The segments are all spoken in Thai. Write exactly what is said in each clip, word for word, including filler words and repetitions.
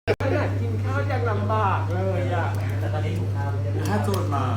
ขนาดกินข้าวยังลำบากเลยอ่ะแต่ตอนนี้ถูกข้าวถ้าโจรมา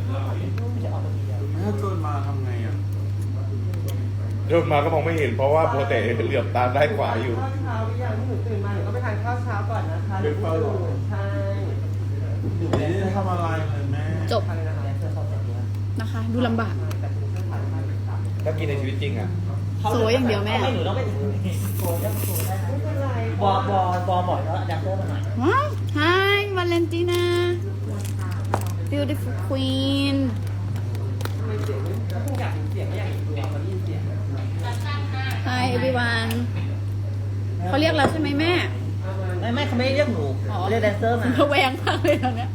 ถ้าโจรมาทำไงอ่ะโยนมาก็มองไม่เห็นเพราะว่าโปรเตเหลือบตาได้ขวาอยู่ข้าวเช้าหรือยังที่หนูตื่นมาหนูก็ไปทานข้าวเช้าก่อนนะคะหนูตื่นใช่หนูไม่ได้ทำอะไรเลยแม่จบนะคะ ดูลำบากถ้ากินในชีวิตจริงอ่ะสวยอย่างเดียวแม่ไม่หนูต้องไปถึงโกงได้โกงได้นะไม่เป็นไรบอบอบอบอกแล้วดักเตอร์มาหน่อยว้าว Hi Valentina beautiful queen ทำไมเสียงไม่คงอยากเสียงไม่อยากเห็นตัวเขาได้ยินเสียง Hi everyone เขาเรียกเราใช่ไหมแม่ไม่ไม่เขาไม่ได้เรียกหนูเขาเรียกแดนเซอร์มาระแวงมากเลยตอนเนี้ย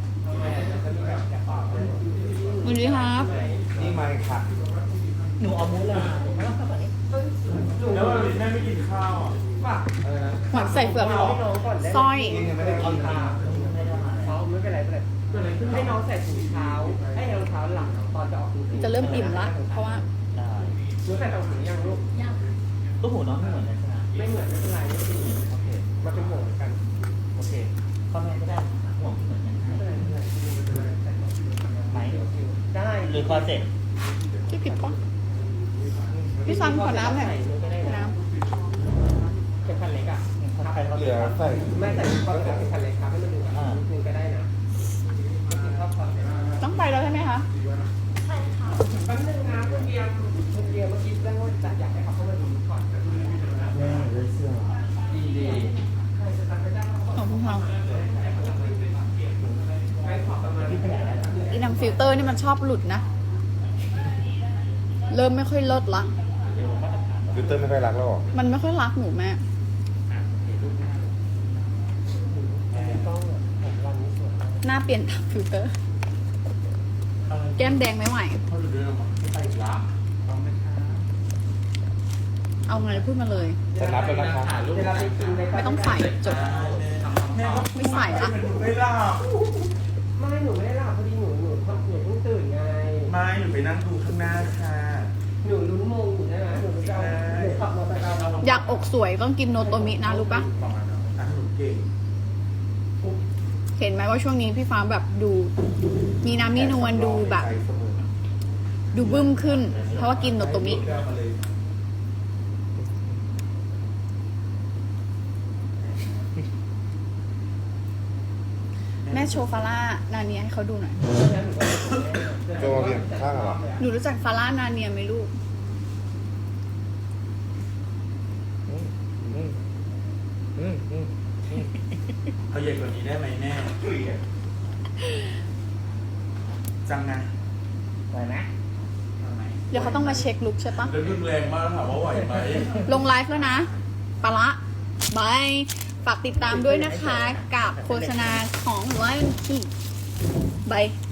สวัสดีครับนี่มาค่ะหนูเอามูสเลยไม่ต้องเข้าไปนี่แล้วแม่ไม่กินข้าวอ่ะป่ะหวานใส่เฟือกหรอให้น้องก่อนได้สร้อยยังไม่ได้กินข้าวเขาไม่เป็นไรไม่เป็นไรให้น้องใส่ถุงเท้าให้รองเท้าหลังตอนจะออกจะเริ่มอิ่มละ เพราะว่าได้หนูใส่รองเท้ายังลูกลูกหูน้องไม่เหมือนกันใช่ไหมไม่เหมือนไม่เป็นไรไม่เป็นไรโอเคมันเป็นหมวกเหมือนกันโอเคข้อแม่ก็ได้ห่วงเหมือนกันไม่เป็นไรไม่เป็นไรไหมได้หรือคอเซ็ปต์ที่ผิดปะพี่ซันขอน้ำหน่อยน้เป็นคันเล็กอ่ะใครเขาเหเลืลืออใส่ไม่ใส่ก็เป็นคันเล็กครับให้มันดูอ่ะนิดนึงก็ได้นะกินข้าวก่อนำต้องไปแล้วใช่ไหมคะแป๊บนึงนะคุณเบียร์คุณเบียร์เมื่อกี้เรื่องว่าจะอยากให้เขาเข้ามาดูก่อนแม่เลยเสื้อดีดีใครจะตัดไปได้เขาขอบคุณค่ะไม่ขอประมาณที่ขนาดนั้นอีนำฟิลเตอร์นี่มันชอบหลุดนะ เริ่มไม่ค่อยเลิศละฟิลเตอร์ไม่ค่อยรักแล้วหรอมันไม่ค่อยรักหนูแม่ต้องผมรันนี้สวยหน้าเปลี่ยนตามฟิลเตอร์ แก้มแดงไม่ไหวเขาดูเรื่องไม่ไปละเอาไหมคะเอาไงพูดมาเลยจะนับแล้วนะคะเวลาไปกินในไม่ต้องใส่จบ ไม่ใส่ละไม่หลับไม่หนูไม่ได้หลับพอดีหนูหนูหนูเพิ่งตื่นไงไม่หนูไปนั่งดูข้างหน้าค่ะหนูลุ้นมงอยู่ใช่ไหมหนูจะเอาหนูขับมอเตอร์ไซค์เอาอยากอกสวยต้องกินโนโตมินะรู้ปะประมาณนั้นอ่ะหนูเก่งเห็นไหมว่าช่วงนี้พี่ฟ้าแบบดู มีน้ำมีนวลดูแบบ ดูบึ้มขึ้น เพราะว่ากินโนโตมิ แม่โชว์ฟาร่านาเนียให้เขาดูหน่อยโจเรียนข้างเหรอหนูรู้จักฟาร่านาเนียไหมลูกอืมอืมอืมอืมเอาใหญ่กว่านี้ได้ไหมแม่จังนะไหวไหมเอาไหมเดี๋ยวเขาต้องมาเช็คลุกใช่ปะแล้วรุนแรงมากถามว่าไหวไหมลงไลฟ์แล้วนะปะละบาย ฝากติดตามด้วยนะคะ กับโฆษณาของไลฟ์ที่บาย